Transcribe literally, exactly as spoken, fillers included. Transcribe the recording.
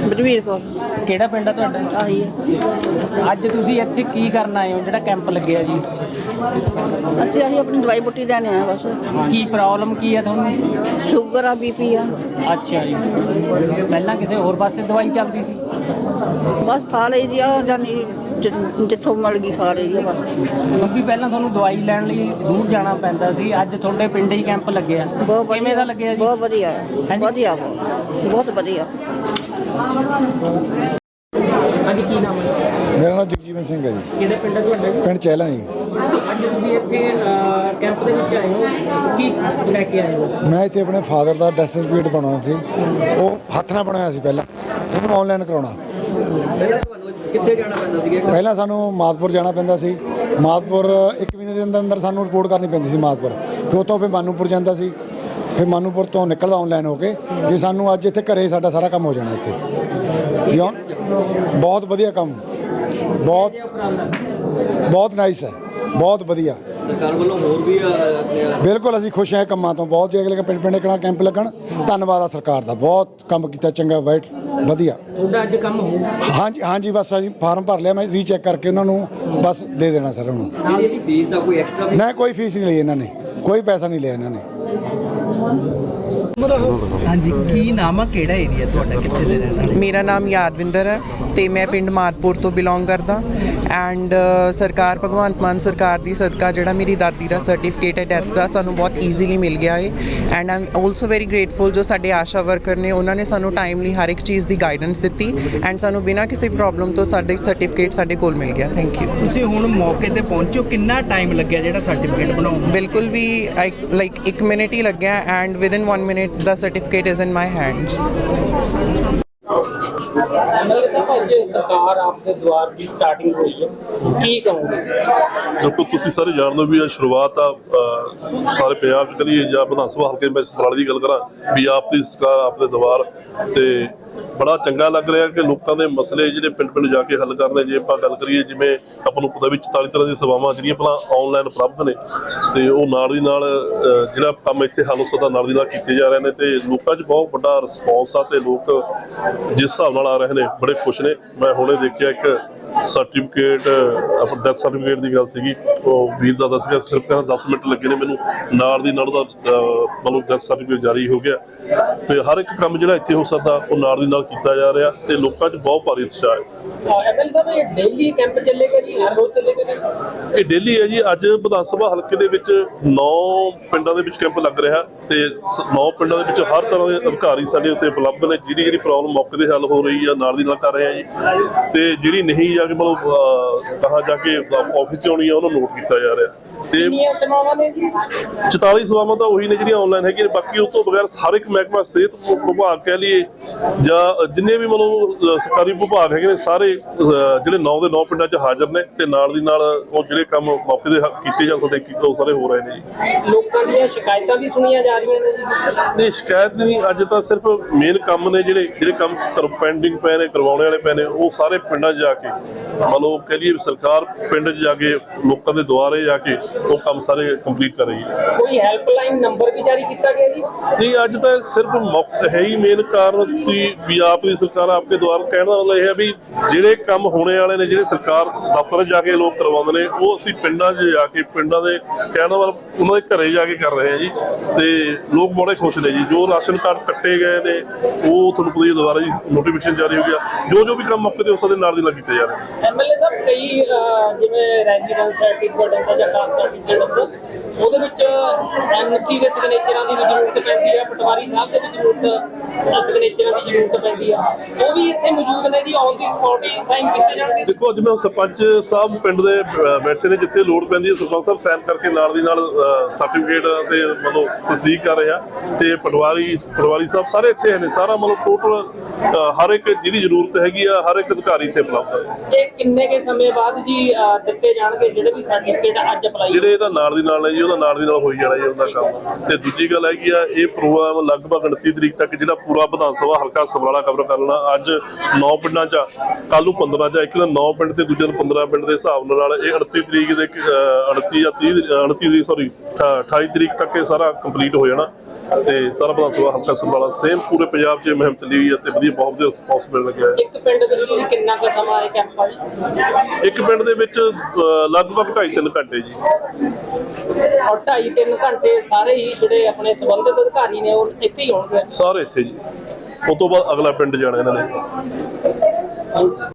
ਬਲਵੀਰ ਕੌਰ। ਕਿਹੜਾ ਪਿੰਡ ਆ ਤੁਹਾਡਾ? ਆਹੀ ਹੈ। ਅੱਜ ਤੁਸੀਂ ਇੱਥੇ ਕੀ ਕਰਨ ਆਏ ਹੋ ਜਿਹੜਾ ਕੈਂਪ ਲੱਗਿਆ ਜੀ? ਅਸੀਂ ਆਹੀ ਆਪਣੀ ਦਵਾਈ ਬੂਟੀ ਦੇਣ ਆਏ ਬਸ। ਕੀ ਪ੍ਰੋਬਲਮ ਕੀ ਹੈ ਤੁਹਾਨੂੰ? ਸ਼ੂਗਰ ਆ, ਬੀਪੀ ਆ। ਅੱਛਾ ਜੀ, ਪਹਿਲਾਂ ਕਿਸੇ ਹੋਰ ਪਾਸੇ ਦਵਾਈ ਚੱਲਦੀ ਸੀ? ਬਸ ਖਾ ਲਈ ਦੀ ਆ, ਜਾਨੀ ਜਿੱਥੋਂ ਮਿਲ ਗਈ ਖਾ ਲਈ ਦੀ ਆ ਬਸ। ਕਿਉਂਕਿ ਪਹਿਲਾਂ ਤੁਹਾਨੂੰ ਦਵਾਈ ਲੈਣ ਲਈ ਦੂਰ ਜਾਣਾ ਪੈਂਦਾ ਸੀ, ਅੱਜ ਤੁਹਾਡੇ ਪਿੰਡ ਹੀ ਕੈਂਪ ਲੱਗਿਆ। ਕਿਵੇਂ ਦਾ ਲੱਗਿਆ ਜੀ? ਬਹੁਤ ਵਧੀਆ ਵਧੀਆ ਬਹੁਤ ਵਧੀਆ। ਹਾਂਜੀ, ਕੀ ਨਾਮ ਹੈ? ਮੇਰਾ ਨਾਮ ਜਗਜੀਵਨ ਸਿੰਘ ਹੈ ਜੀ। ਕਿਹੜੇ ਪਿੰਡ ਹੈ ਤੁਹਾਡਾ? ਪਿੰਡ ਚਹਿਲਾ ਜੀ। ਅੱਜ ਤੁਸੀਂ ਇੱਥੇ ਕੈਂਪ ਦੇ ਵਿੱਚ ਆਏ ਹੋ, ਕੀ ਲੈ ਕੇ ਆਏ ਹੋ? ਮੈਂ ਇੱਥੇ ਆਪਣੇ ਫਾਦਰ ਦਾ ਡੈਥ ਸਰਟੀਫਿਕੇਟ ਬਣਾਉਣਾ ਸੀ। ਉਹ ਹੱਥ ਨਾਲ ਬਣਾਇਆ ਸੀ ਪਹਿਲਾਂ, ਇਹਨੂੰ ਆਨਲਾਈਨ ਕਰਾਉਣਾ। ਕਿੱਥੇ ਜਾਣਾ ਪੈਂਦਾ ਸੀ? ਪਹਿਲਾਂ ਸਾਨੂੰ ਮਾਦਪੁਰ ਜਾਣਾ ਪੈਂਦਾ ਸੀ। ਮਾਦਪੁਰ ਇੱਕ ਮਹੀਨੇ ਦੇ ਅੰਦਰ ਅੰਦਰ ਸਾਨੂੰ ਰਿਪੋਰਟ ਕਰਨੀ ਪੈਂਦੀ ਸੀ ਮਾਦਪੁਰ। ਫਿਰ ਉੱਥੋਂ ਫਿਰ ਮਾਨੂਪੁਰ ਜਾਂਦਾ ਸੀ, ਫਿਰ ਮਾਨੂਪੁਰ ਤੋਂ ਨਿਕਲਦਾ ਆਨਲਾਈਨ ਹੋ ਕੇ। ਜੇ ਸਾਨੂੰ ਅੱਜ ਇੱਥੇ ਘਰੇ ਸਾਡਾ ਸਾਰਾ ਕੰਮ ਹੋ ਜਾਣਾ ਇੱਥੇ। ਬਹੁਤ ਵਧੀਆ ਕੰਮ, ਬਹੁਤ ਬਹੁਤ ਨਾਈਸ ਹੈ, ਬਹੁਤ ਵਧੀਆ। ਸਰਕਾਰ ਵੱਲੋਂ ਹੋਰ ਵੀ ਬਿਲਕੁਲ ਅਸੀਂ ਖੁਸ਼ ਹਾਂ ਕੰਮਾਂ ਤੋਂ ਬਹੁਤ। ਜੇ ਅਗਲੇ ਪਿੰਡ ਪਿੰਡ ਕਿਹੜਾ ਕੈਂਪ ਲੱਗਣ, ਧੰਨਵਾਦ ਆ ਸਰਕਾਰ ਦਾ, ਬਹੁਤ ਕੰਮ ਕੀਤਾ, ਚੰਗਾ, ਵਾਈਟ ਵਧੀਆ। ਤੁਹਾਡਾ ਅੱਜ ਕੰਮ ਹੋਊ? ਹਾਂਜੀ ਹਾਂਜੀ, ਬਸ ਅਸੀਂ ਫਾਰਮ ਭਰ ਲਿਆ, ਮੈਂ ਰੀਚੈੱਕ ਕਰਕੇ ਉਹਨਾਂ ਨੂੰ ਬਸ ਦੇ ਦੇਣਾ ਸਰ ਉਹਨੂੰ। ਜਿਹੜੀ ਫੀਸ ਆ ਕੋਈ ਐਕਸਟਰਾ? ਨਾ, ਕੋਈ ਫੀਸ ਨਹੀਂ ਲਈ ਇਹਨਾਂ ਨੇ, ਕੋਈ ਪੈਸਾ ਨਹੀਂ ਲਿਆ ਇਹਨਾਂ ਨੇ। ਹਾਂਜੀ, ਕੀ ਨਾਮ ਆ, ਕਿਹੜਾ ਏਰੀਆ ਤੁਹਾਡਾ, ਕਿੱਥੇ ਦੇ ਰਹਿਣ ਵਾਲੇ? ਮੇਰਾ ਨਾਮ ਯਾਦਵਿੰਦਰ ਹੈ ਤੇ ਮੈਂ ਪਿੰਡ ਮਾਦਪੁਰ ਤੋਂ ਬਿਲੋਂਗ ਕਰਦਾ। ਐਂਡ ਸਰਕਾਰ ਭਗਵੰਤ ਮਾਨ ਸਰਕਾਰ ਦੀ ਸਦਕਾ ਜਿਹੜਾ ਮੇਰੀ ਦਾਦੀ ਦਾ ਸਰਟੀਫਿਕੇਟ ਹੈ ਡੈਥ ਦਾ, ਸਾਨੂੰ ਬਹੁਤ ਈਜ਼ੀਲੀ ਮਿਲ ਗਿਆ ਹੈ। And I am also very grateful ਜੋ ਸਾਡੇ ਆਸ਼ਾ ਵਰਕਰ ਨੇ, ਉਹਨਾਂ ਨੇ ਸਾਨੂੰ ਟਾਈਮਲੀ ਹਰ ਇੱਕ ਚੀਜ਼ ਦੀ ਗਾਈਡੈਂਸ ਦਿੱਤੀ ਐਂਡ ਸਾਨੂੰ ਬਿਨਾਂ ਕਿਸੇ ਪ੍ਰੋਬਲਮ ਤੋਂ ਸਾਡੇ ਸਰਟੀਫਿਕੇਟ ਸਾਡੇ ਕੋਲ ਮਿਲ ਗਿਆ। Thank you. ਤੁਸੀਂ ਹੁਣ ਮੌਕੇ ਤੇ ਪਹੁੰਚੋ, ਕਿੰਨਾ ਟਾਈਮ ਲੱਗਿਆ ਜਿਹੜਾ ਸਰਟੀਫਿਕੇਟ ਬਣਾਉਣ ਨੂੰ? ਬਿਲਕੁਲ ਵੀ ਲਾਈਕ ਇੱਕ ਮਿੰਟ ਹੀ ਲੱਗਿਆ ਐਂਡ ਵਿਦਿਨ ਵਨ ਮਿੰਟ ਦਾ certificate is in my hands. MLA ਸਾਹਿਬ, ਅੱਜ ਸਰਕਾਰ ਆਪਦੇ ਦੁਆਰ ਦੀ ਸਟਾਰਟਿੰਗ ਹੋਈ ਹੈ, ਕੀ ਕਹੋਗੇ? ਦੇਖੋ, ਤੁਸੀਂ ਸਾਰੇ ਜਾਣਦੇ ਹੋ ਵੀ ਇਹ ਸ਼ੁਰੂਆਤ ਆ ਸਾਰੇ ਪੰਜਾਬ 'ਚ ਕਰੀਏ ਜਾਂ ਵਿਧਾਨ ਸਭਾ ਹਲਕੇ ਮੈਂ ਸਮਰਾਲੇ ਦੀ ਗੱਲ ਕਰਾਂ ਵੀ ਆਪ ਦੀ ਸਰਕਾਰ ਆਪਦੇ ਦੁਆਰ ਤੇ ਬੜਾ ਚੰਗਾ ਲੱਗ ਰਿਹਾ ਕਿ ਲੋਕਾਂ ਦੇ ਮਸਲੇ ਜਿਹੜੇ ਪਿੰਡ ਪਿੰਡ ਜਾ ਕੇ ਹੱਲ ਕਰਨੇ। ਜੇ ਆਪਾਂ ਗੱਲ ਕਰੀਏ, ਜਿਵੇਂ ਆਪਾਂ ਨੂੰ ਪਤਾ ਵੀ ਚੁਤਾਲੀ ਤਰ੍ਹਾਂ ਦੀਆਂ ਸੇਵਾਵਾਂ ਜਿਹੜੀਆਂ ਪਹਿਲਾਂ ਆਨਲਾਈਨ ਉਪਲਬਧ ਨੇ ਤੇ ਉਹ ਨਾਲ ਦੀ ਨਾਲ ਜਿਹੜਾ ਕੰਮ ਇੱਥੇ ਹੱਲ ਹੋ ਸਕਦਾ ਨਾਲ ਦੀ ਨਾਲ ਕੀਤੇ ਜਾ ਰਹੇ ਨੇ ਤੇ ਲੋਕਾਂ 'ਚ ਬਹੁਤ ਵੱਡਾ ਰਿਸਪੌਂਸ ਆ ਤੇ ਲੋਕ ਜਿਸ ਹਿਸਾਬ ਨਾਲ ਆ ਰਹੇ ਨੇ ਬੜੇ ਖੁਸ਼ ਨੇ। ਮੈਂ ਹੁਣੇ ਦੇਖਿਆ ਇੱਕ ਸਰਟੀਫਿਕੇਟ, ਆਪਣਾ ਡੈਥ ਸਰਟੀਫਿਕੇਟ ਦੀ ਗੱਲ ਸੀਗੀ, ਉਹ ਵੀਰ ਦਾ ਦੱਸ ਗਿਆ ਸਿਰਫ ਕਹਿੰਦਾ ਦਸ ਮਿੰਟ ਲੱਗੇ ਨੇ ਮੈਨੂੰ, ਨਾਲ ਦੀ ਨਾਲ ਉਹਦਾ ਮਤਲਬ ਡੈਥ ਸਰਟੀਫਿਕੇਟ ਜਾਰੀ ਹੋ ਗਿਆ। ਤੇ ਹਰ ਇੱਕ ਕੰਮ ਜਿਹੜਾ ਇੱਥੇ ਹੋ ਸਕਦਾ ਉਹ ਨਾਲ ਦੀ ਨਾਲ ਕੀਤਾ ਜਾ ਰਿਹਾ ਤੇ ਲੋਕਾਂ 'ਚ ਬਹੁਤ ਭਾਰੀ ਉਤਸ਼ਾਹ ਹੈ। ਐਮਐਲਏ ਸਾਹਿਬ, ਇਹ ਡੇਲੀ ਕੈਂਪ ਚੱਲੇਗਾ ਜੀ, ਹਰ ਰੋਜ਼ ਚੱਲੇਗਾ ਜੀ? ਇਹ ਡੇਲੀ ਹੈ ਜੀ। ਅੱਜ ਵਿਧਾਨ ਸਭਾ ਹਲਕੇ ਦੇ ਵਿੱਚ ਨੌ ਪਿੰਡਾਂ ਦੇ ਵਿੱਚ ਕੈਂਪ ਲੱਗ ਰਿਹਾ ਤੇ ਨੌ ਪਿੰਡਾਂ ਦੇ ਵਿੱਚ ਹਰ ਤਰ੍ਹਾਂ ਦੇ ਅਧਿਕਾਰੀ ਸਾਡੇ ਉੱਤੇ ਉਪਲਬਧ ਨੇ। ਜਿਹੜੀ ਜਿਹੜੀ ਪ੍ਰੋਬਲਮ ਮੌਕੇ ਤੇ ਹੱਲ ਹੋ ਰਹੀ ਆ ਨਾਲ ਦੀ ਨਾਲ ਕਰ ਰਹੇ ਆ ਜੀ, ਤੇ ਜਿਹੜੀ ਨਹੀਂ ਜਾ ਕੇ ਮਤਲਬ ਕਹਾਂ ਜਾ ਕੇ ਆਫਿਸ 'ਚ ਆਉਣੀ ਆ ਉਹਨੂੰ ਨੋਟ ਕੀਤਾ ਜਾ ਰਿਹਾ। ਤੇ ਸੇਵਾਵਾਂ ਨੇ ਜੀ ਚੁਤਾਲੀ ਸੇਵਾਵਾਂ ਤਾਂ ਉਹੀ ਨੇ ਜਿਹੜੀਆਂ ਆਨਲਾਈਨ ਹੈਗੀਆਂ, ਬਾਕੀ ਉਸ ਤੋਂ ਬਗੈਰ ਹਰ ਇੱਕ ਮਹਿਕਮਾ, ਸਿਹਤ ਵਿਭਾਗ ਕਹਿ ਲਈਏ ਜਾਂ ਜਿੰਨੇ ਵੀ ਮਤਲਬ ਸਰਕਾਰੀ ਵਿਭਾਗ ਹੈਗੇ ਨੇ ਸਾਰੇ ਜਿਹੜੇ ਨੌ ਦੇ ਨੌ ਪਿੰਡਾਂ 'ਚ ਹਾਜ਼ਰ ਨੇ ਤੇ ਨਾਲ ਦੀ ਨਾਲ ਉਹ ਜਿਹੜੇ ਕੰਮ ਮੌਕੇ ਦੇ ਕੀਤੇ ਜਾ ਸਕਦੇ ਕੀਤੇ ਉਹ ਸਾਰੇ ਹੋ ਰਹੇ ਨੇ ਜੀ। ਲੋਕਾਂ ਦੀਆਂ ਸ਼ਿਕਾਇਤਾਂ ਵੀ ਸੁਣੀਆਂ ਜਾ ਰਹੀਆਂ ਨੇ ਜੀ? ਨਹੀਂ, ਸ਼ਿਕਾਇਤ ਨਹੀਂ। ਅੱਜ ਤਾਂ ਸਿਰਫ ਮੇਨ ਕੰਮ ਨੇ ਜਿਹੜੇ ਜਿਹੜੇ ਕੰਮ ਪੈਂਡਿੰਗ ਪਏ ਨੇ, ਕਰਵਾਉਣੇ ਵਾਲੇ ਪਏ ਨੇ, ਉਹ ਸਾਰੇ ਪਿੰਡਾਂ 'ਚ ਜਾ ਕੇ ਮਤਲਬ ਕਹਿ ਲਈਏ ਸਰਕਾਰ ਪਿੰਡ 'ਚ ਜਾ ਕੇ ਲੋਕਾਂ ਦੇ ਦੁਆਰੇ ਜਾ ਕੇ ਉਹ ਕੰਮ ਸਾਰੇ ਕੰਪਲੀਟ ਕਰ ਰਹੀ ਹੈ। ਕੋਈ ਹੈਲਪਲਾਈਨ ਨੰਬਰ ਵੀ ਜਾਰੀ ਕੀਤਾ ਗਿਆ ਜੀ? ਨਹੀਂ, ਅੱਜ ਤਾਂ ਸਿਰਫ ਹੈ ਹੀ ਮੇਨ ਕਾਰਨ ਸੀ ਵੀ ਆਪ ਦੀ ਸਰਕਾਰ ਆਪਕੇ ਦੁਆਰ। ਕਹਿਣ ਦਾ ਮਤਲਬ ਇਹ ਹੈ ਵੀ ਜਿਹੜੇ ਕੰਮ ਹੋਣੇ ਵਾਲੇ ਨੇ, ਜਿਹੜੇ ਸਰਕਾਰ ਦਫ਼ਤਰ ਜਾ ਕੇ ਲੋਕ ਕਰਵਾਉਂਦੇ ਨੇ, ਉਹ ਅਸੀਂ ਪਿੰਡਾਂ 'ਚ ਜਾ ਕੇ ਪਿੰਡਾਂ ਦੇ ਕਹਿਣ ਦਾ ਮਤਲਬ ਉਹਨਾਂ ਦੇ ਘਰੇ ਜਾ ਕੇ ਕਰ ਰਹੇ ਹਾਂ ਜੀ। ਤੇ ਲੋਕ ਬੜੇ ਖੁਸ਼ ਨੇ ਜੀ। ਜੋ ਰਾਸ਼ਨ ਕਾਰਡ ਕੱਟੇ ਗਏ ਨੇ ਉਹ ਤੁਹਾਨੂੰ ਪਤਾ ਹੀ ਦੁਬਾਰਾ ਜੀ ਨੋਟੀਫਿਕੇਸ਼ਨ ਜਾਰੀ ਹੋ ਗਿਆ। ਜੋ ਜੋ ਵੀ ਕੰਮ ਮੌਕੇ ਤੇ ਉਸ ਦੇ ਨਾਲ ਦੀ ਨਾਲ ਕੀਤੇ ਜਾ ਰਹੇ ਨੇ। ਐਮਐਲਏ ਸਾਹਿਬ, ਕਈ ਜਿਵੇਂ ਰੈਜ਼ੀਡੈਂਸ ਸਰਟੀਫਿਕੇਟ ਹੁੰਦਾ ਜਾਂ ਕਾਸਟ ਸਰਟੀਫਿਕੇਟ ਹੁੰਦਾ, ਉਹਦੇ ਵਿੱਚ ਐਮਸੀ ਦੇ ਸਿਗਨੇਚਰਾਂ ਦੀ ਵੀ ਜ਼ਰੂਰਤ ਪੈਂਦੀ ਹੈ, ਪਟਵਾਰੀ ਸਾਹਿਬ ਦੇ ਵੀ ਜ਼ਰੂਰਤ ਸਿਗਨੇਚਰਾਂ ਦੀ ਜ਼ਰੂਰਤ ਪੈਂਦੀ ਆ। ਉਹ ਵੀ ਇੱਥੇ ਮੌਜੂਦ ਨੇ ਜੀ, ਔਨ ਦੀ ਸਪੌਟ ਹੀ ਸਾਈਨ ਕੀਤੇ ਜਾਣਗੇ? ਦੇਖੋ, ਜਿਵੇਂ ਸਰਪੰਚ ਸਾਹਿਬ ਪਿੰਡ ਦੇ ਬੈਠੇ ਨੇ, ਜਿੱਥੇ ਲੋੜ ਪੈਂਦੀ ਹੈ ਸਰਪੰਚ ਸਾਹਿਬ ਸਾਈਨ ਕਰਕੇ ਨਾਲ ਦੀ ਨਾਲ ਸਰਟੀਫਿਕੇਟ ਤੇ ਮਤਲਬ ਤਸਦੀਕ ਕਰ ਰਹੇ ਆ। ਤੇ ਪਟਵਾਰੀ ਪਟਵਾਰੀ ਸਾਹਿਬ ਸਾਰੇ ਇੱਥੇ ਨੇ। ਸਾਰਾ ਮਤਲਬ ਟੋਟਲ ਹਰ ਇੱਕ ਜਿਹਦੀ ਜ਼ਰੂਰਤ ਹੈਗੀ ਆ, ਹਰ ਇੱਕ ਅਧਿਕਾਰੀ ਇੱਥੇ ਉਪਲਬਧ ਹੈ। ਇਹ ਕਿੰਨੇ ਕੇ ਸਮੇਂ ਬਾਅਦ ਜੀ ਦਿੱਤੇ ਜਾਣਗੇ ਜਿਹੜੇ ਵੀ ਸਰਟੀਫਿਕੇਟ ਅੱਜ ਅਪਲਾਈ? ਜਿਹੜੇ ਇਹਦਾ ਨਾਲ ਦੀ ਨਾਲ ਹੈ ਜੀ, ਉਹਦਾ ਨਾਲ ਦੀ ਨਾਲ ਹੋਈ ਜਾਣਾ ਜੀ ਉਹਦਾ ਕੰਮ। ਤੇ ਦੂਜੀ ਗੱਲ ਹੈਗੀ ਆ, ਇਹ ਪ੍ਰੋਗਰਾਮ ਲਗਭਗ ਉਨੱਤੀ ਤਰੀਕ ਤੱਕ ਜਿਹੜਾ ਪੂਰਾ ਵਿਧਾਨ ਸਭਾ ਹਲਕਾ ਸਮਰਾਲਾ ਕਵਰ ਕਰ ਲੈਣਾ। ਅੱਜ ਨੌ ਪਿੰਡਾਂ 'ਚ, ਕੱਲ ਨੂੰ ਪੰਦਰਾਂ 'ਚ, ਇੱਕ ਦਿਨ ਨੌ ਪਿੰਡ ਤੇ ਦੂਜੇ ਦਿਨ ਪੰਦਰਾਂ ਪਿੰਡ ਦੇ ਹਿਸਾਬ ਨਾਲ ਇਹ ਉਨੱਤੀ ਤਰੀਕ ਦੇ ਉਨੱਤੀ ਜਾਂ ਤੀਹ ਉਨੱਤੀ ਤਰੀਕ ਸੌਰੀ ਅਠਾਈ ਤਰੀਕ ਤੱਕ ਇਹ ਸਾਰਾ ਕੰਪਲੀਟ ਹੋ ਜਾਣਾ। ਤੇ ਸਾਰਾ ਵਿਧਾਨ ਸਭਾ ਹਲਕਾ ਸਮਰਾਲਾ ਸੇਮ ਪੂਰੇ ਪੰਜਾਬ 'ਚ ਇਹ ਮੁਹਿੰਮ ਚੱਲੀ ਹੋਈ ਹੈ ਤੇ ਵਧੀਆ ਬਹੁਤ ਵਧੀਆ ਰਿਸਪੌਂਸ ਮਿਲ ਲੱਗਿਆ ਹੈ। ਇੱਕ ਪਿੰਡ ਦੇ ਵਿੱਚ ਕਿੰਨਾ ਕੁ ਸਮਾਂ ਇਹ ਕੈਂਪ ਆ ਜੀ? ਇੱਕ ਪਿੰਡ ਦੇ ਵਿੱਚ ਅ, ਲਗਭਗ ਢਾਈ ਤਿੰਨ ਘੰਟੇ ਜੀ। ਔਰ ਢਾਈ ਤਿੰਨ ਘੰਟੇ ਸਾਰੇ ਹੀ ਜਿਹੜੇ ਆਪਣੇ ਸੰਬੰਧਿਤ ਅਧਿਕਾਰੀ ਨੇ ਉਹ ਇੱਥੇ ਹੀ ਹੋਣਗੇ। ਸਾਰੇ ਇੱਥੇ ਜੀ, ਉਸ ਤੋਂ ਬਾਅਦ ਅਗਲਾ ਪਿੰਡ ਜਾਣਾ ਇਹਨਾਂ ਨੇ।